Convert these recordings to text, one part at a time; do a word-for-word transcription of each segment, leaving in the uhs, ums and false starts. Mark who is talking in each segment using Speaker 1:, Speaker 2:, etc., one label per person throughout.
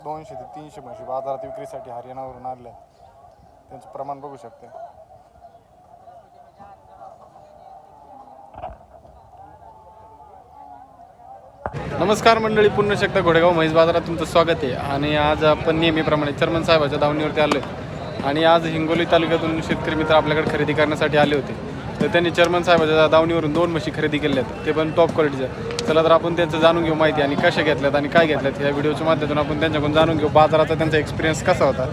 Speaker 1: दोनशे ते तीनशे म्हशी बाजारात विक्रीसाठी हरियाणावरून आणल्या. त्यांचं प्रमाण बघू शकता. नमस्कार मंडळी, पुन्हा शकता घोडेगाव म्हैस बाजारात तुमचं स्वागत आहे. आणि आज आपण नेहमीप्रमाणे चर्मन साहेबाच्या दावणीवरती आलो आहे. आणि आज हिंगोली तालुक्यातून शेतकरी मित्र आपल्याकडे खरेदी करण्यासाठी आले होते. तर त्यांनी चर्मन साहेबाच्या दावणीवरून दोन म्हशी खरेदी केल्या आहेत, ते पण टॉप क्वालिटीच्या. चला तर आपण त्यांचं जाणून घेऊ माहिती आणि कशा घेतल्यात आणि काय घेतल्यात. या व्हिडिओच्या माध्यमातून आपण त्यांच्याकडून जाणून घेऊ बाजाराचा त्यांचा एक्सपिरियन्स कसा होता.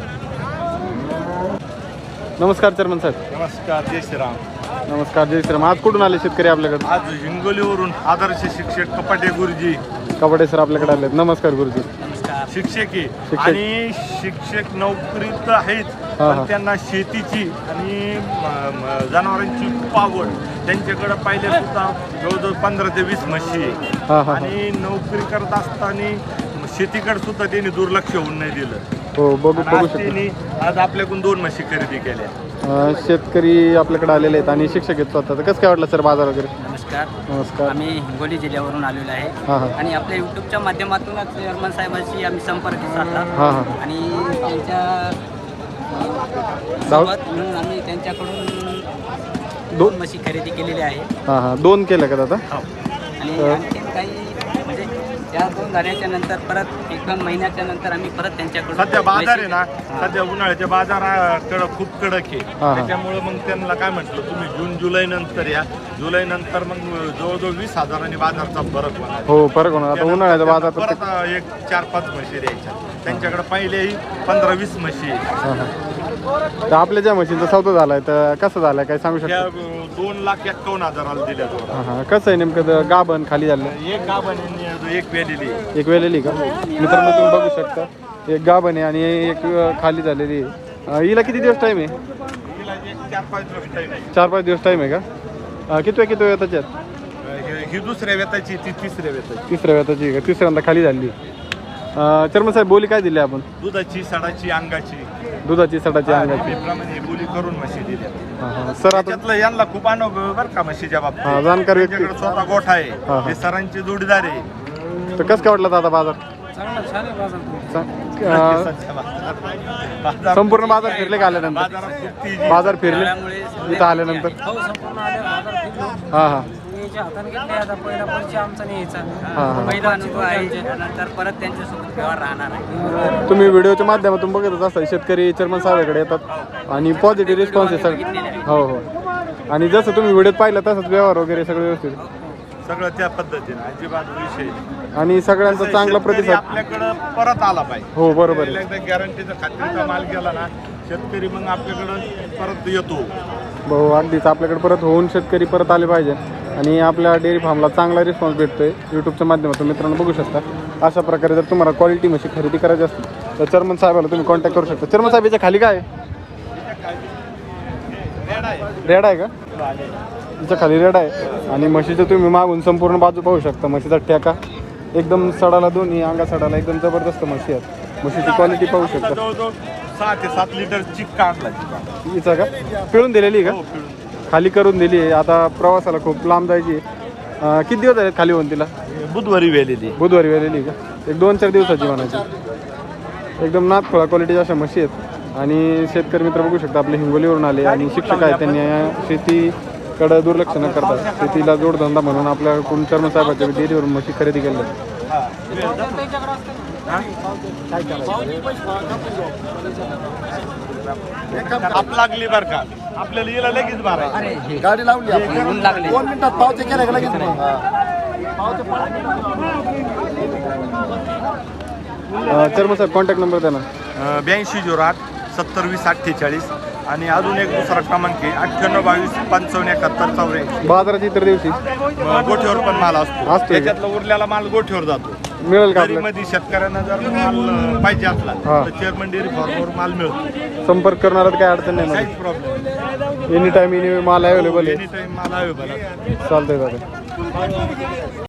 Speaker 1: नमस्कार चर्मन साहेब.
Speaker 2: नमस्कार, जय श्रीराम.
Speaker 1: नमस्कार, जय श्रीराम. आज कुठून आले शेतकरी आपल्याकडे?
Speaker 2: आज हिंगोलीवरून आदर्श शिक्षक कपाटे गुरुजी
Speaker 1: कपाटे सर आपल्याकडे आले. नमस्कार गुरुजी.
Speaker 2: शिक्षक आहे आणि शिक्षक नोकरीत आहेत, पण त्यांना शेतीची आणि जनावरांची खूप आवड. त्यांच्याकडे पहिले सुद्धा जवळजवळ पंधरा ते वीस म्हशी आहे आणि नोकरी करत असताना शेतीकडे सुद्धा त्यांनी दुर्लक्ष होऊन नाही दिलं.
Speaker 1: हो, बघू बघू
Speaker 2: त्यांनी आज आपल्याकडून दोन म्हशी खरेदी केल्या.
Speaker 1: शेतकरी आपल्याकडे आलेले आहेत आणि शिक्षक आहेत स्वतः. कसं काय वाटलं सर बाजार वगैरे?
Speaker 3: नमस्कार.
Speaker 1: नमस्कार.
Speaker 3: आम्ही हिंगोली जिल्ह्यावरून आलेलो आहे
Speaker 1: हां हां
Speaker 3: आणि आपल्या यूट्यूबच्या माध्यमातूनच चेअरमन साहेबांशी आम्ही संपर्क साधला
Speaker 1: हां हां
Speaker 3: आणि त्यांच्या सोबत म्हणून आम्ही त्यांच्याकडून दोन म्हशी खरेदी केलेली आहे.
Speaker 1: हां हां दोन केल्या का दादा?
Speaker 3: हो. आणि आणखी काही म्हणजे त्या दोन झाल्याच्या नंतर परत एक दोन महिन्याच्या नंतर आम्ही परत त्यांच्याकडून
Speaker 2: सध्या बाजार आहे ना, सध्या उन्हाळ्याच्या बाजाराकडं खूप कडक आहे. त्याच्यामुळे मग त्यांना काय म्हटलं, तुम्ही जून जुलै नंतर या. जुलै नंतर मग जवळजवळ वीस हजारांनी बाजारचा फरक होणार.
Speaker 1: हो, फरक होणार. आता उन्हाळ्याच्या बाजारात
Speaker 2: परत एक चार पाच म्हशी द्यायच्या. त्यांच्याकडे पहिलेही पंधरा वीस म्हशी आहे.
Speaker 1: तर आपल्या ज्या म्हशींचा सौदा झालाय तर कसं झालाय काय सांगू
Speaker 2: त्या
Speaker 1: शकता?
Speaker 2: दोन लाख एक्कावन्न हजाराला दिल्या दोन.
Speaker 1: हां हां कसं आहे नेमकं? गाभण खाली झालं,
Speaker 2: एक गाभण आणि एक वेलेली.
Speaker 1: एक वेलेली का? मित्रांनो तुम्ही बघू शकता, एक गाभण आहे आणि एक खाली झालेली आहे. हिला किती दिवस टाईम आहे?
Speaker 2: हिला एक चार पाच दिवस टाईम आहे.
Speaker 1: चार पाच दिवस टाईम आहे का? किती किती वेळ त्याच्यात?
Speaker 2: ही दुसऱ्या वेताची, ती तिसऱ्या वेताची.
Speaker 1: तिसऱ्या वेताची का? तिसऱ्यांदा खाली झाली. चर्मन साहेब बोली काय दिली आपण?
Speaker 2: दुधाची, सडाची, अंगाची.
Speaker 1: दुधाची, सडाची, अंगाची
Speaker 2: प्रमाणे बोली करून म्हशी दिल्या.
Speaker 1: हां हां सर आता
Speaker 2: त्यातलं यांना खूप अनुभव बरं का म्हशीच्या
Speaker 1: हां
Speaker 2: बाबतीत.
Speaker 1: जाणकार व्यक्ती.
Speaker 2: त्यांच्याकडे स्वतः गोठा आहे,
Speaker 1: हां.
Speaker 2: हे सरांची जोडीदार आहे.
Speaker 1: तर कसं काय वाटलं दादा बाजार?
Speaker 2: बाजार-
Speaker 1: संपूर्ण बाजार फिरले का आल्यानंतर?
Speaker 2: बाजारात खूप तेजी.
Speaker 1: बाजार फिरले
Speaker 3: त्यामुळे
Speaker 1: इथं आल्यानंतर? हां हां हां
Speaker 3: पहिला अनुभव आहे. त्यानंतर परत त्यांच्यासोबत व्यवहार राहणार आहे.
Speaker 1: तुम्ही व्हिडिओच्या माध्यमातून बघतच असता, शेतकरी चेअरमन साहेबांकडे येतात आणि पॉझिटिव्ह रिस्पॉन्स आहे सगळं. हो हो. आणि जसं तुम्ही व्हिडिओत पाहिलं तसंच व्यवहार वगैरे सगळं व्यवस्थित,
Speaker 2: सगळं त्या पद्धतीने अजिबात विषय नाही.
Speaker 1: आणि सगळ्यांचा चांगला
Speaker 2: शेतकरी
Speaker 1: प्रतिसाद.
Speaker 2: आपल्याकडं परत आला पाहिजे.
Speaker 1: हो बरोबर आहे.
Speaker 2: एकदा गॅरंटीचा खात्रीचा माल गेला ना, शेतकरी मग आपल्याकडं परत येतो.
Speaker 1: भाऊ अगदीच आपल्याकडे परत होऊन शेतकरी परत आले पाहिजे. आणि आपल्या डेअरी फार्मला चांगला रिस्पॉन्स भेटतोय यूट्यूबच्या माध्यमातून. मित्रांनो बघू शकता, अशा प्रकारे जर तुम्हाला क्वालिटी म्हशी खरेदी करायची असतील तर चेअरमन साहेबाला तुम्ही कॉन्टॅक्ट करू शकता. चेअरमन साहेब याच्या खाली काय आहे? रेड आहे का? तिच्या खाली रेड आहे. आणि म्हशीचं तुम्ही मागून संपूर्ण बाजू पाहू शकता. म्हशीचा ठेका एकदम सडाला, दोन्ही अंगा सडाला एकदम जबरदस्त म्हशी आहेत. म्हशीची क्वालिटी पाहू शकता.
Speaker 2: जवळजवळ सहा ते सात लिटर चिक्का आणला.
Speaker 1: हिचा का पिळून दिलेली का? खाली करून दिली आहे. आता प्रवासाला खूप लांब जायची. किती दिवस आहेत खाली होऊन तिला?
Speaker 2: बुधवारी वेलेली.
Speaker 1: बुधवारी वेलेली का? एक दोन चार दिवसाची म्हणायची. एकदम नाथखोळा क्वालिटीच्या अशा म्हशी आहेत. आणि शेतकरी मित्र बघू शकता आपले हिंगोलीवरून आले आणि शिक्षक आहेत. त्यांनी शेतीकडं दुर्लक्ष न करता शेतीला जोडधंदा म्हणून आपल्याकडून चेअरमन साहेबांच्या डेअरीवरून म्हशी खरेदी केल्या.
Speaker 2: आप लागली बर का, आपल्याला याला लगेच बारा
Speaker 4: गाडी लावली
Speaker 3: ऊन लागले.
Speaker 4: दोन मिनिटात पावते केल्या का लगेच
Speaker 1: चेअरमन साहेब कॉन्टॅक्ट नंबर द्या ना.
Speaker 2: ब्याऐंशी झिरो आठ सत्तर वीस अठ्ठेचाळीस. आणि अजून एक दुसरा क्रमांक आहे अठ्ठ्याण्णव बावीस पंचावन्न एकाहत्तर चौऱ्याऐंशी.
Speaker 1: बाजारात इतर दिवशी
Speaker 2: गोठ्यावर पण माल असतो.
Speaker 1: असतो.
Speaker 2: त्याच्यातला उरलेला माल गोठ्यावर जातो.
Speaker 1: मिळेल का आपल्याला?
Speaker 2: मध्ये शेतकऱ्यांना जर माल पाहिजे असला
Speaker 1: हा.
Speaker 2: तर चेअरमन डेअरी फार्मवर माल मिळतो.
Speaker 1: संपर्क करणारात काय अडचण नाही
Speaker 2: काहीच प्रॉब्लेम.
Speaker 1: एनी टाईम एनी माल अवेलेबल आहे.
Speaker 2: एनी टाइम माल अवेलेबल आहे.
Speaker 1: चालतंय दादा.